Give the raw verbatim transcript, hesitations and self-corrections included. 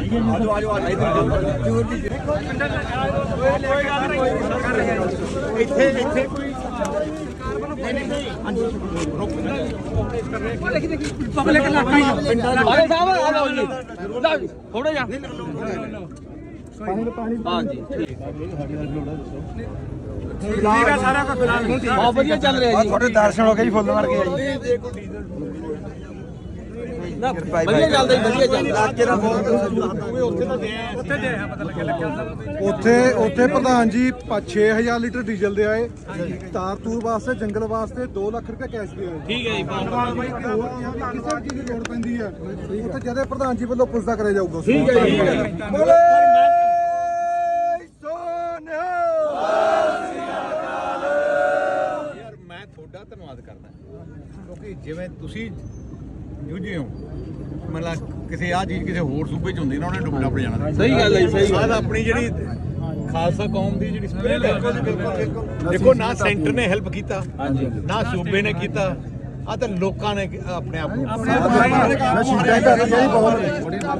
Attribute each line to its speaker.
Speaker 1: ਆਜੋ ਆਜੋ ਆਜੋ ਇੱਥੇ ਇੱਥੇ ਕੋਈ
Speaker 2: ਪਬਲਿਕ ਇਲਾਕਾ ਹੀ
Speaker 3: ਆਲੇ ਸਾਹਿਬ ਆ ਲਓ ਜੀ ਲਓ ਜੀ ਥੋੜਾ ਜਿਹਾ ਹਾਂਜੀ
Speaker 2: ਠੀਕ ਆ ਸਾਰਾ ਕੁਝ ਫਿਲਹਾਲ
Speaker 3: ਬਹੁਤ ਵਧੀਆ ਚੱਲ ਰਿਹਾ ਜੀ
Speaker 1: ਤੁਹਾਡੇ ਦਰਸ਼ਨ ਹੋ ਗਏ ਜੀ ਫੁੱਲ ਮਾਰ ਕੇ ਜੀ
Speaker 3: ਨਾ ਵਧੀਆ ਚੱਲਦਾ ਜੀ ਵਧੀਆ ਚੱਲਦਾ
Speaker 2: ਉੱਥੇ ਤਾਂ ਦੇ ਉੱਥੇ ਦੇ ਪਤਾ ਲੱਗਿਆ ਲੱਗਿਆ
Speaker 4: ਉੱਥੇ ਉੱਥੇ ਪ੍ਰਧਾਨ ਜੀ ਛੇ ਹਜ਼ਾਰ ਲੀਟਰ ਡੀਜ਼ਲ ਦੇ ਆਏ ਤਾਰ ਤੂਰ ਵਾਸਤੇ ਜੰਗਲ ਵਾਸਤੇ ਦੋ ਲੱਖ ਰੁਪਏ ਕੈਸ਼ ਦੇ ਆਏ।
Speaker 3: ਠੀਕ ਹੈ ਜੀ
Speaker 4: ਕਿਸੇ ਚੀਜ਼ ਦੀ ਲੋੜ ਪੈਂਦੀ ਹੈ ਉੱਥੇ ਜਦੇ ਪ੍ਰਧਾਨ ਜੀ ਵੱਲੋਂ ਪੁੱਛਦਾ ਕਰਿਆ ਜਾਊਗਾ।
Speaker 3: ਠੀਕ ਹੈ ਜੀ
Speaker 1: ਯਾਰ ਮੈਂ ਤੁਹਾਡਾ ਧੰਨਵਾਦ ਕਰਦਾ ਕਿਉਂਕਿ ਜਿਵੇਂ ਤੁਸੀਂ ਜੂਝੇ ਹੋ ਮਤਲਬ ਕਿਸੇ ਆ ਚੀਜ਼ ਕਿਸੇ ਹੋਰ ਸੂਬੇ ਚ ਹੁੰਦੀ ਨਾ ਉਹਨੇ ਡੁੱਬਣਾ ਪੜ ਜਾਣਾ।
Speaker 3: ਸਹੀ ਗੱਲ ਹੈ ਜੀ, ਸਹੀ ਗੱਲ
Speaker 1: ਆਹ ਆਪਣੀ ਜਿਹੜੀ ਖਾਲਸਾ ਕੌਮ ਦੀ ਜਿਹੜੀ ਸਪਿਰਿਟ ਹੈ ਦੇਖੋ ਨਾ ਸੈਂਟਰ ਨੇ ਹੈਲਪ ਕੀਤਾ ਨਾ ਸੂਬੇ ਨੇ ਕੀਤਾ ਆ ਤਾਂ ਲੋਕਾਂ ਨੇ ਆਪਣੇ ਆਪ ਨੂੰ
Speaker 4: ਮੈਂ ਸ਼ੀਟਾਂ ਕਰ ਰਹੀ ਬਹੁਤ